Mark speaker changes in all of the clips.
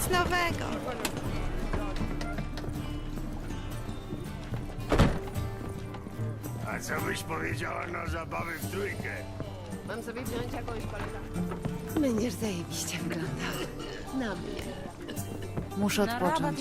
Speaker 1: Nic nowego.
Speaker 2: A co byś powiedziała na zabawę w trójkę?
Speaker 3: Mam sobie wziąć jakąś koleżankę.
Speaker 1: Będziesz zajebiście wyglądał. Na mnie.
Speaker 4: Muszę odpocząć.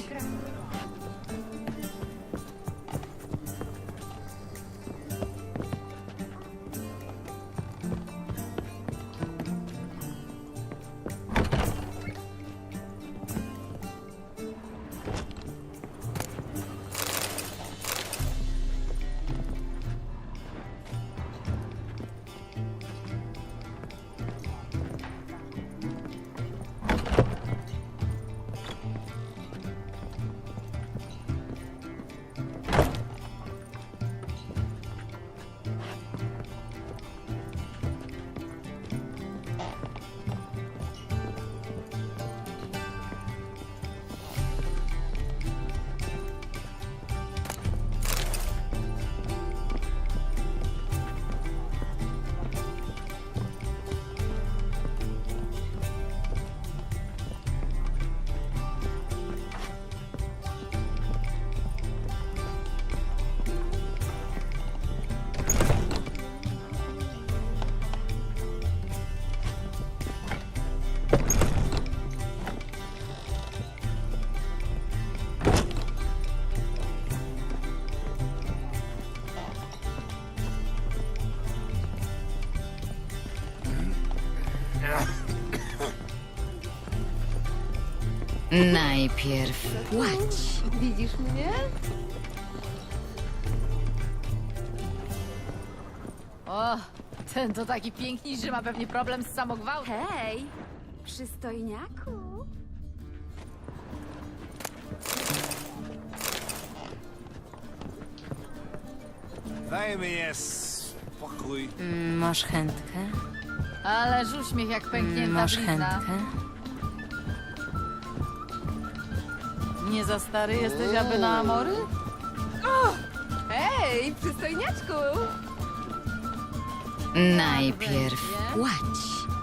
Speaker 4: Najpierw płać.
Speaker 3: Widzisz mnie?
Speaker 4: O, ten to taki piękny, że ma pewnie problem z samogwałtem.
Speaker 5: Hej, przystojniaku.
Speaker 2: Daj mi spokój.
Speaker 6: Masz chętkę?
Speaker 4: Ależ uśmiech jak pęknięta
Speaker 6: Masz
Speaker 4: blizna.
Speaker 6: chętkę?
Speaker 4: Nie za stary jesteś, aby na amory?
Speaker 3: Hej, przystojniaczku!
Speaker 6: Najpierw płać.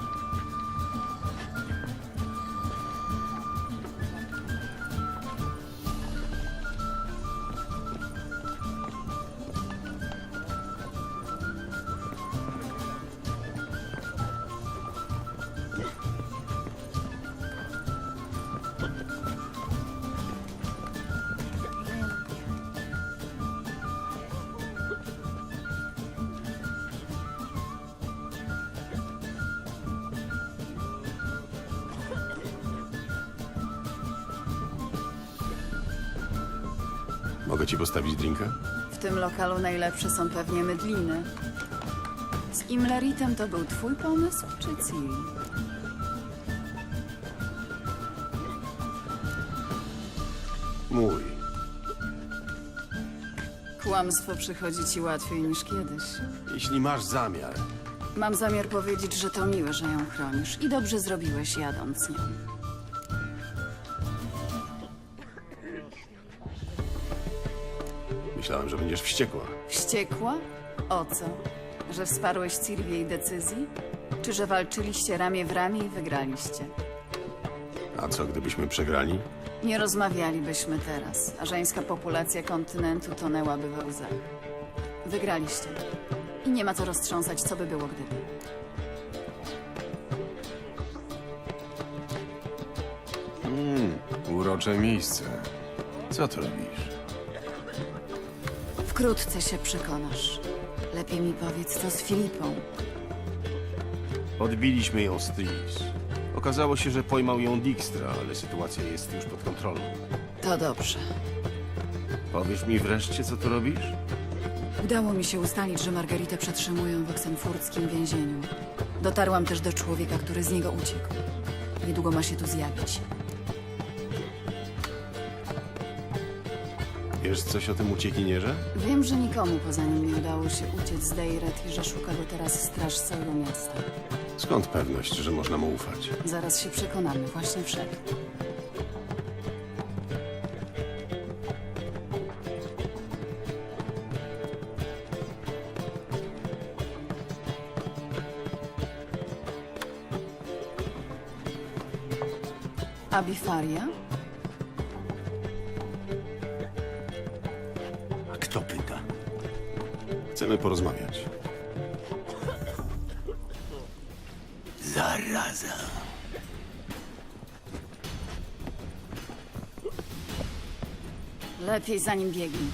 Speaker 2: Mogę ci postawić drinka?
Speaker 7: W tym lokalu najlepsze są pewnie mydliny. Z Imleritem to był twój pomysł, czy Ciri?
Speaker 2: Mój.
Speaker 7: Kłamstwo przychodzi ci łatwiej niż kiedyś.
Speaker 2: Jeśli masz zamiar.
Speaker 7: Mam zamiar powiedzieć, że to miłe, że ją chronisz i dobrze zrobiłeś jadąc nią.
Speaker 2: Myślałem, że będziesz wściekła.
Speaker 7: Wściekła? O co? Że wsparłeś Ciri w jej decyzji? Czy że walczyliście ramię w ramię i wygraliście?
Speaker 2: A co, gdybyśmy przegrali?
Speaker 7: Nie rozmawialibyśmy teraz, a żeńska populacja kontynentu tonęłaby we łzach. Wygraliście. I nie ma co roztrząsać, co by było gdyby.
Speaker 2: Urocze miejsce. Co tu robisz?
Speaker 7: Wkrótce się przekonasz. Lepiej mi powiedz, co z Filipą.
Speaker 2: Odbiliśmy ją z Tris. Okazało się, że pojmał ją Dijkstra, ale sytuacja jest już pod kontrolą.
Speaker 7: To dobrze.
Speaker 2: Powiesz mi wreszcie, co tu robisz?
Speaker 7: Udało mi się ustalić, że Margaritę przetrzymują w oksenfurckim więzieniu. Dotarłam też do człowieka, który z niego uciekł. Niedługo ma się tu zjawić.
Speaker 2: Wiesz coś o tym uciekinierze?
Speaker 7: Wiem, że nikomu poza nim nie udało się uciec z Dejret i że szuka go teraz straż całego miasta.
Speaker 2: Skąd pewność, że można mu ufać?
Speaker 7: Zaraz się przekonamy, właśnie wszedł. Abifaria?
Speaker 8: A kto pyta?
Speaker 2: Chcemy porozmawiać.
Speaker 8: Zaraza.
Speaker 7: Lepiej za nim biegnij.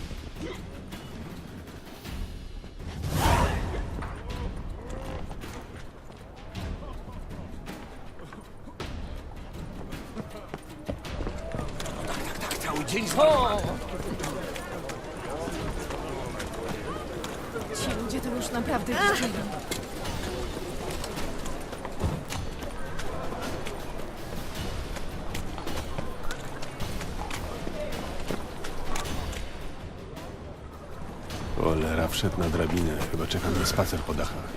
Speaker 8: Tak cały dzień
Speaker 4: Ci ludzie to już naprawdę widzieli.
Speaker 2: Cholera, wszedł na drabinę. Chyba czeka na spacer po dachach.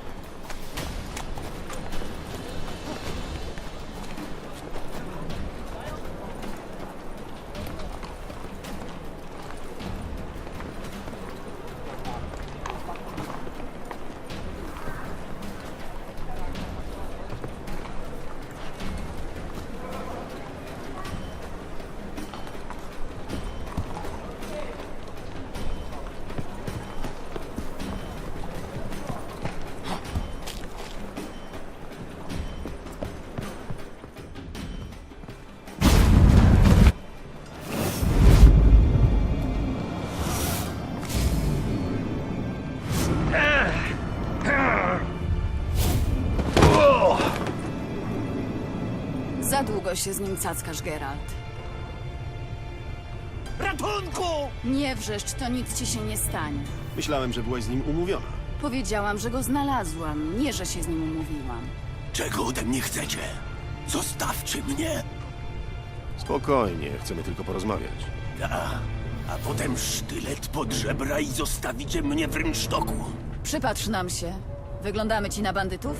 Speaker 7: Za długo się z nim cackasz, Geralt.
Speaker 8: Ratunku!
Speaker 7: Nie wrzeszcz, to nic ci się nie stanie.
Speaker 2: Myślałem, że byłaś z nim umówiona.
Speaker 7: Powiedziałam, że go znalazłam, nie że się z nim umówiłam.
Speaker 8: Czego ode mnie chcecie? Zostawcie mnie!
Speaker 2: Spokojnie, chcemy tylko porozmawiać.
Speaker 8: A potem sztylet pod żebra i zostawicie mnie w rynsztoku.
Speaker 7: Przypatrz nam się. Wyglądamy ci na bandytów?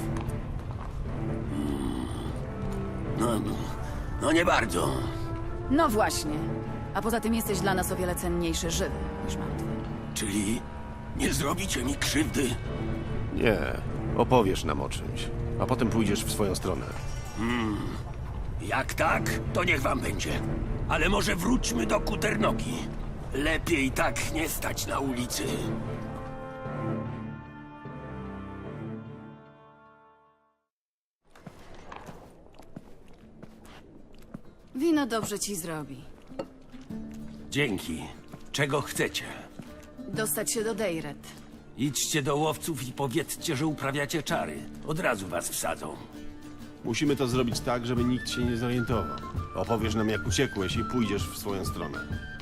Speaker 8: No nie bardzo.
Speaker 7: No właśnie. A poza tym jesteś dla nas o wiele cenniejszy żywy niż martwy.
Speaker 8: Czyli nie zrobicie mi krzywdy?
Speaker 2: Nie, opowiesz nam o czymś, a potem pójdziesz w swoją stronę.
Speaker 8: Jak tak, to niech wam będzie. Ale może wróćmy do Kuternogi. Lepiej tak nie stać na ulicy.
Speaker 7: Wino dobrze ci zrobi.
Speaker 8: Dzięki. Czego chcecie?
Speaker 7: Dostać się do Dejret.
Speaker 8: Idźcie do łowców i powiedzcie, że uprawiacie czary. Od razu was wsadzą.
Speaker 2: Musimy to zrobić tak, żeby nikt się nie zorientował. Opowiesz nam, jak uciekłeś i pójdziesz w swoją stronę.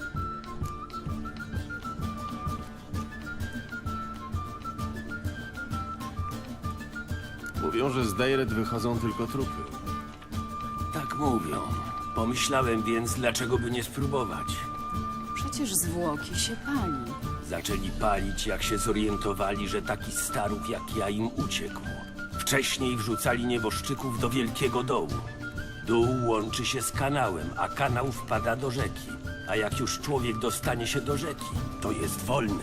Speaker 2: Mówią, że z Dejret wychodzą tylko trupy.
Speaker 8: Tak mówią. Pomyślałem więc, dlaczego by nie spróbować.
Speaker 7: Przecież zwłoki się pali.
Speaker 8: Zaczęli palić, jak się zorientowali, że taki starów jak ja im uciekł. Wcześniej wrzucali nieboszczyków do wielkiego dołu. Dół łączy się z kanałem, a kanał wpada do rzeki. A jak już człowiek dostanie się do rzeki, to jest wolny.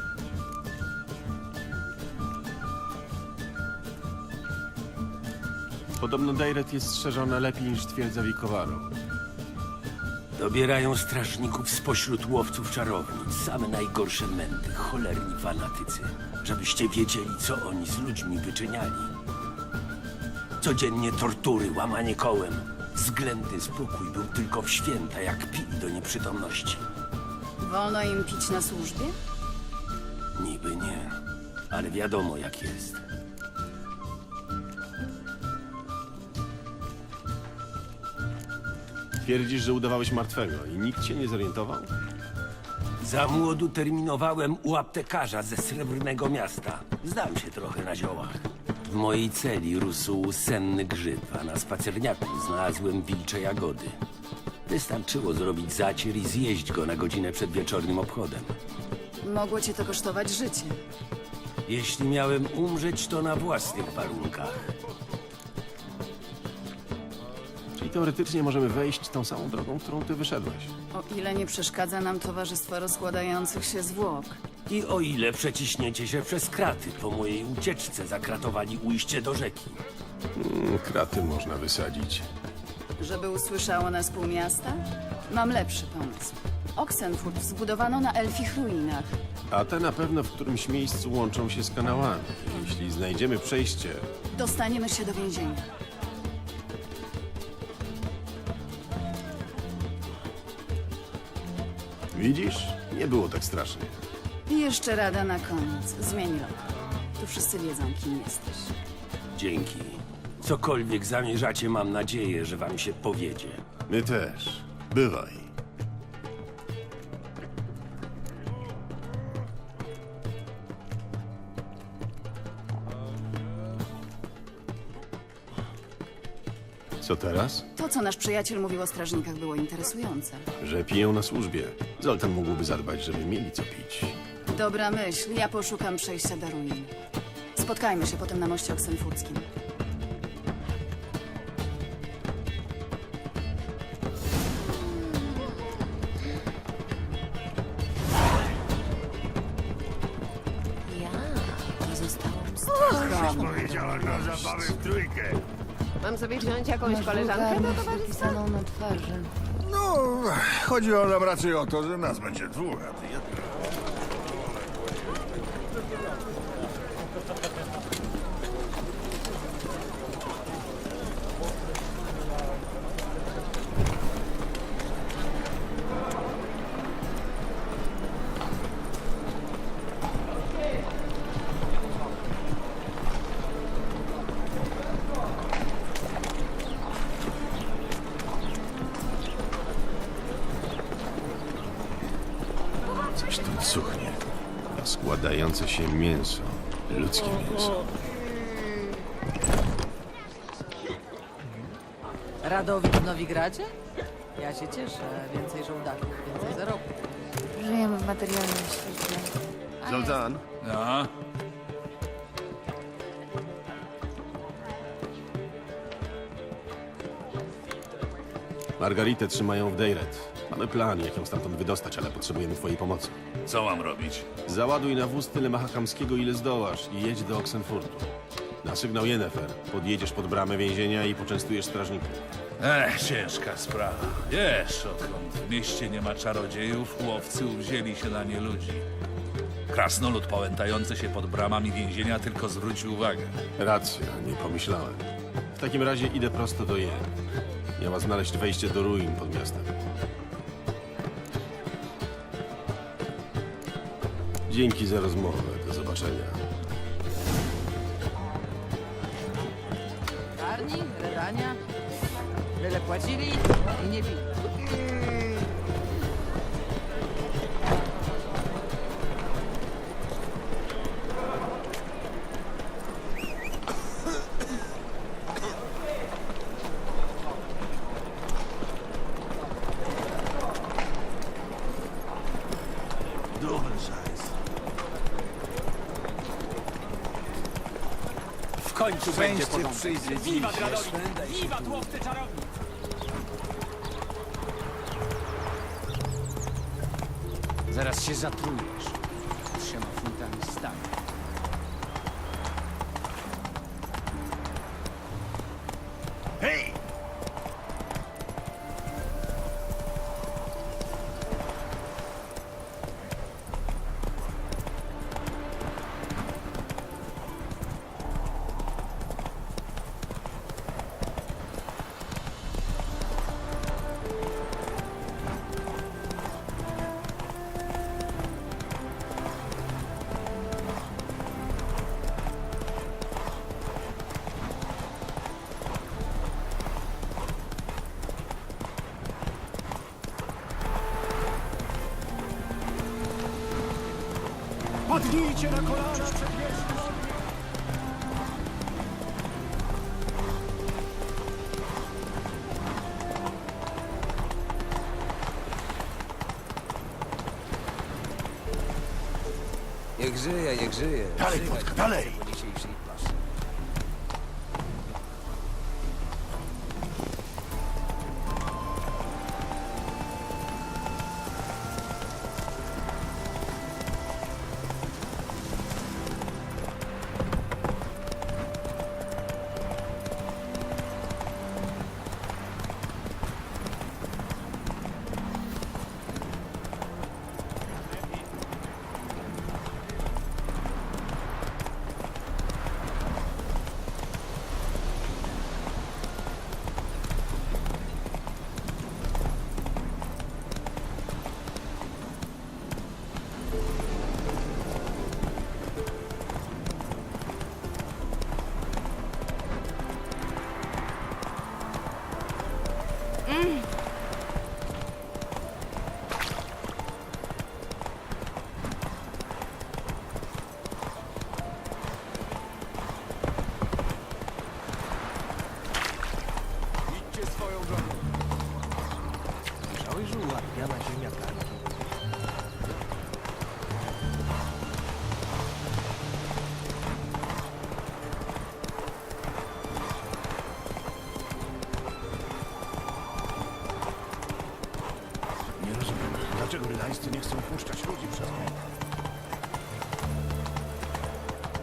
Speaker 2: Podobno Dejret jest strzeżona lepiej niż twierdza Wikowaro.
Speaker 8: Dobierają strażników spośród łowców czarownic. Same najgorsze męty, cholerni fanatycy. Żebyście wiedzieli, co oni z ludźmi wyczyniali. Codziennie tortury, łamanie kołem. Względny spokój był tylko w święta, jak pili do nieprzytomności.
Speaker 7: Wolno im pić na służbie?
Speaker 8: Niby nie, ale wiadomo jak jest.
Speaker 2: Twierdzisz, że udawałeś martwego i nikt się nie zorientował?
Speaker 8: Za młodu terminowałem u aptekarza ze Srebrnego Miasta. Znam się trochę na ziołach. W mojej celi rósł senny grzyb, a na spacerniaku znalazłem wilcze jagody. Wystarczyło zrobić zacier i zjeść go na godzinę przed wieczornym obchodem.
Speaker 7: Mogło cię to kosztować życie.
Speaker 8: Jeśli miałem umrzeć, to na własnych warunkach.
Speaker 2: Czyli teoretycznie możemy wejść tą samą drogą, którą ty wyszedłeś.
Speaker 7: O ile nie przeszkadza nam towarzystwo rozkładających się zwłok.
Speaker 8: I o ile przeciśniecie się przez kraty, po mojej ucieczce zakratowali ujście do rzeki.
Speaker 2: Kraty można wysadzić.
Speaker 7: Żeby usłyszało nas pół miasta? Mam lepszy pomysł. Oxenfurt zbudowano na elfich ruinach.
Speaker 2: A te na pewno w którymś miejscu łączą się z kanałami. Jeśli znajdziemy przejście,
Speaker 7: Dostaniemy się do więzienia.
Speaker 2: widzisz? Nie było tak strasznie.
Speaker 7: I jeszcze rada na koniec. Zmień lokal. Tu wszyscy wiedzą, kim jesteś.
Speaker 8: Dzięki. Cokolwiek zamierzacie, mam nadzieję, że wam się powiedzie.
Speaker 2: My też. Bywaj. Co teraz?
Speaker 7: To, co nasz przyjaciel mówił o strażnikach, było interesujące.
Speaker 2: Że piją na służbie. Zoltan mógłby zadbać, żeby mieli co pić.
Speaker 7: Dobra myśl. Ja poszukam przejścia do ruin. Spotkajmy się potem na moście oksenfurckim.
Speaker 6: Ja pozostałam z
Speaker 3: Mam sobie wziąć jakąś koleżankę do towarzystwa?
Speaker 4: na twarzy.
Speaker 9: No, chodziło nam raczej o to, że nas będzie dwóch, a ty jedna.
Speaker 2: Coś tu cuchnie. A składające się mięso. Ludzkie mięso.
Speaker 4: Radowid w Nowigradzie? Ja się cieszę. Więcej żołdaków, więcej zarobków.
Speaker 6: Żyjemy w materialnym świecie.
Speaker 2: Zoltan?
Speaker 9: No,
Speaker 2: Margaritę trzymają w Dejret. Mamy plan, jak ją stamtąd wydostać, ale potrzebujemy twojej pomocy.
Speaker 9: co mam robić?
Speaker 2: Załaduj na wóz tyle mahakamskiego, ile zdołasz i jedź do Oxenfurtu. Na sygnał Yennefer podjedziesz pod bramę więzienia i poczęstujesz strażników.
Speaker 10: Ciężka sprawa. Wiesz, odkąd w mieście nie ma czarodziejów, łowcy uwzięli się na nie ludzi. Krasnolud pałętający się pod bramami więzienia tylko zwrócił uwagę.
Speaker 2: Racja, nie pomyślałem. W takim razie idę prosto do Jen. Miała znaleźć wejście do ruin pod miastem. Dzięki za rozmowę. Do zobaczenia.
Speaker 4: Karni, redania. Byle płacili i nie pili.
Speaker 8: W końcu będzie przyjdzie dziś.
Speaker 11: Zaraz się zatrujesz 3 funtami stanu.
Speaker 9: Hej!
Speaker 11: Padnijcie na kolana przed wieżą!
Speaker 12: Niech żyje, niech żyje.
Speaker 9: Dalej, Płotka, dalej!
Speaker 12: Po dzisiejszej paszy.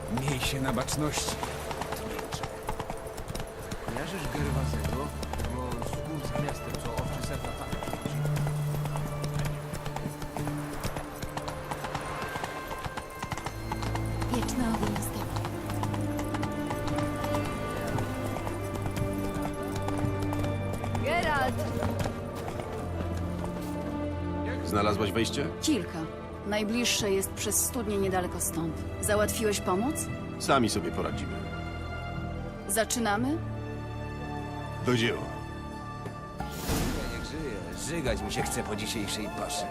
Speaker 11: Miej się na baczności. Kojarzysz Gerwazego? Bo skór z gwiazdem, co owczy serca tak.
Speaker 6: Wieczny ogień stopni.
Speaker 3: Geralt!
Speaker 2: Znalazłaś wejście?
Speaker 7: Kilka. Najbliższe jest przez studnię niedaleko stąd. Załatwiłeś pomoc?
Speaker 2: Sami sobie poradzimy.
Speaker 7: Zaczynamy?
Speaker 2: Do dzieła.
Speaker 12: Niech żyje. Żygać mi się chce po dzisiejszej paszy.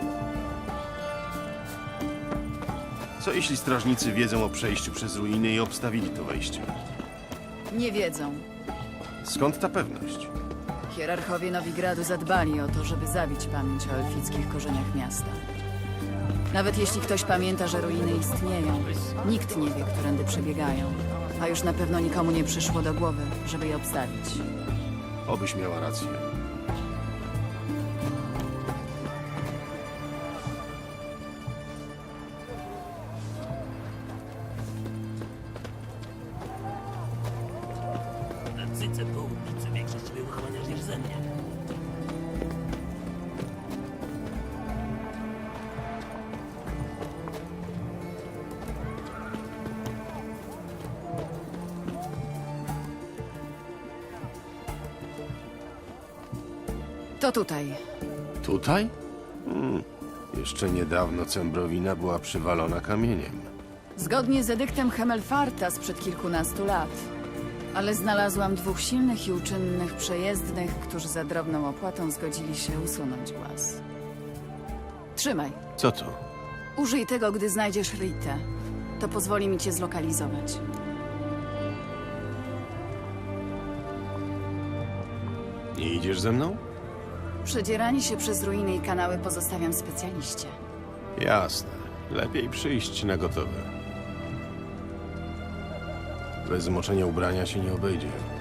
Speaker 2: Co jeśli strażnicy wiedzą o przejściu przez ruiny i obstawili to wejście?
Speaker 7: Nie wiedzą.
Speaker 2: Skąd ta pewność?
Speaker 7: Hierarchowie Nowigradu zadbali o to, żeby zabić pamięć o elfickich korzeniach miasta. Nawet jeśli ktoś pamięta, że ruiny istnieją, nikt nie wie, którędy przebiegają. A już na pewno nikomu nie przyszło do głowy, żeby je obstawić.
Speaker 2: Obyś miała rację.
Speaker 7: To tutaj.
Speaker 2: Tutaj? Jeszcze niedawno Cembrowina była przywalona kamieniem.
Speaker 7: Zgodnie z edyktem Hemelfarta sprzed kilkunastu lat. Ale znalazłam dwóch silnych i uczynnych przejezdnych, którzy za drobną opłatą zgodzili się usunąć głaz. Trzymaj.
Speaker 2: Co to?
Speaker 7: Użyj tego, gdy znajdziesz Ritę. To pozwoli mi cię zlokalizować.
Speaker 2: Nie idziesz ze mną?
Speaker 7: Przedzieranie się przez ruiny i kanały pozostawiam specjaliście.
Speaker 2: Jasne. Lepiej przyjść na gotowe. Bez zmoczenia ubrania się nie obejdzie.